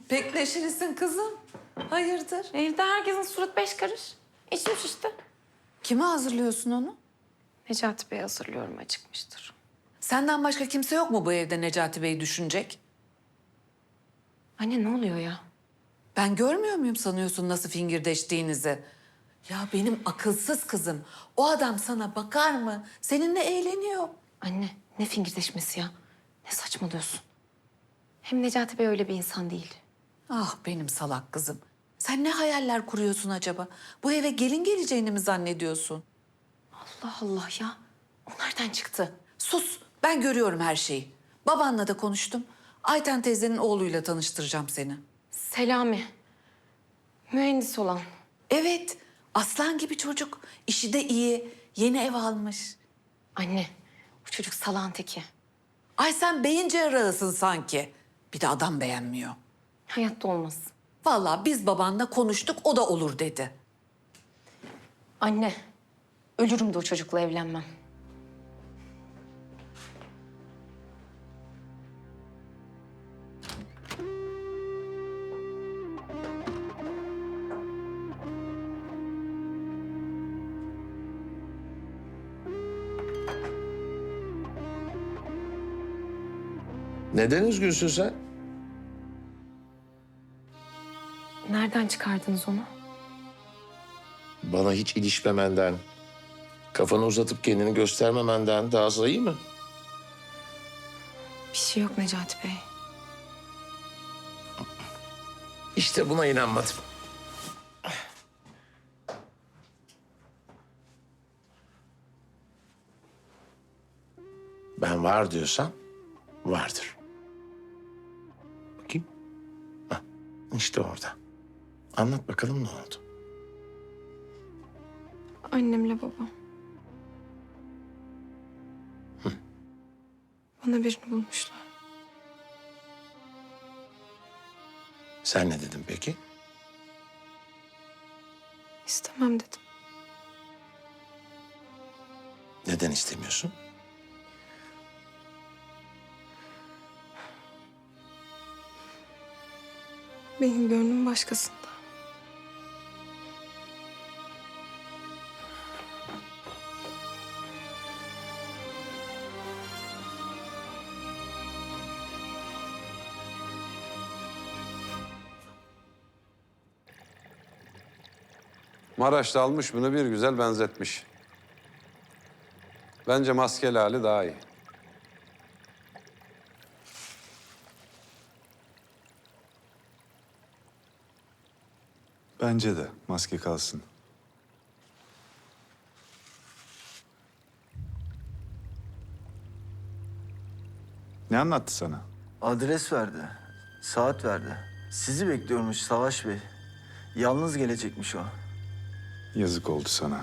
Pek neşelisin kızım. Hayırdır? Evde herkesin surat beş karış. İçmiş işte. Kime hazırlıyorsun onu? Necati Bey hazırlıyorum, acıkmıştır. Senden başka kimse yok mu bu evde Necati Bey'i düşünecek? Anne ne oluyor ya? Ben görmüyor muyum sanıyorsun nasıl fingirdeştiğinizi? Ya benim akılsız kızım. O adam sana bakar mı? Seninle eğleniyor. Anne ne fingirdeşmesi ya? Ne saçmalıyorsun? Hem Necati Bey öyle bir insan değil. Ah benim salak kızım. Sen ne hayaller kuruyorsun acaba? Bu eve gelin geleceğini mi zannediyorsun? Allah Allah ya. O nereden çıktı? Sus, ben görüyorum her şeyi. Babanla da konuştum. Ayten teyzenin oğluyla tanıştıracağım seni. Selami. Mühendis olan. Evet, aslan gibi çocuk. İşi de iyi. Yeni ev almış. Anne bu çocuk salağın teki. Ay sen beyin cerrahısın sanki. Bir de adam beğenmiyor. Hayatta olmaz. Vallahi biz babanla konuştuk, o da olur dedi. Anne ölürüm de o çocukla evlenmem. Neden üzgünsün sen? Nereden çıkardınız onu? Bana hiç ilişmemenden, kafanı uzatıp kendini göstermemenden daha sayı mı? Bir şey yok Necati Bey. İşte buna inanmadım. Ben var diyorsam vardır. Bakayım. Hah, işte orada. Anlat bakalım ne oldu? Annemle babam. Bana birini bulmuşlar. Sen ne dedin peki? İstemem dedim. Neden istemiyorsun? Benim gönlüm başkasında. Maraş'ta almış bunu bir güzel benzetmiş. Bence maskeli hali daha iyi. Bence de maske kalsın. Ne anlattı sana? Adres verdi, saat verdi. Sizi bekliyormuş Savaş Bey. Yalnız gelecekmiş o. Yazık oldu sana.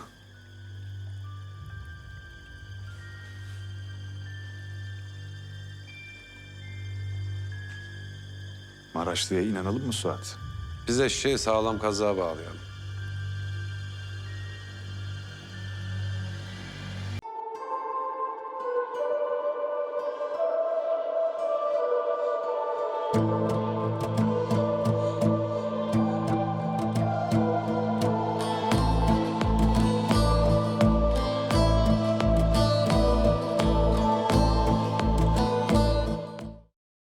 Maraşlı'ya inanalım mı Suat? Biz eşeği sağlam kazığa bağlayalım.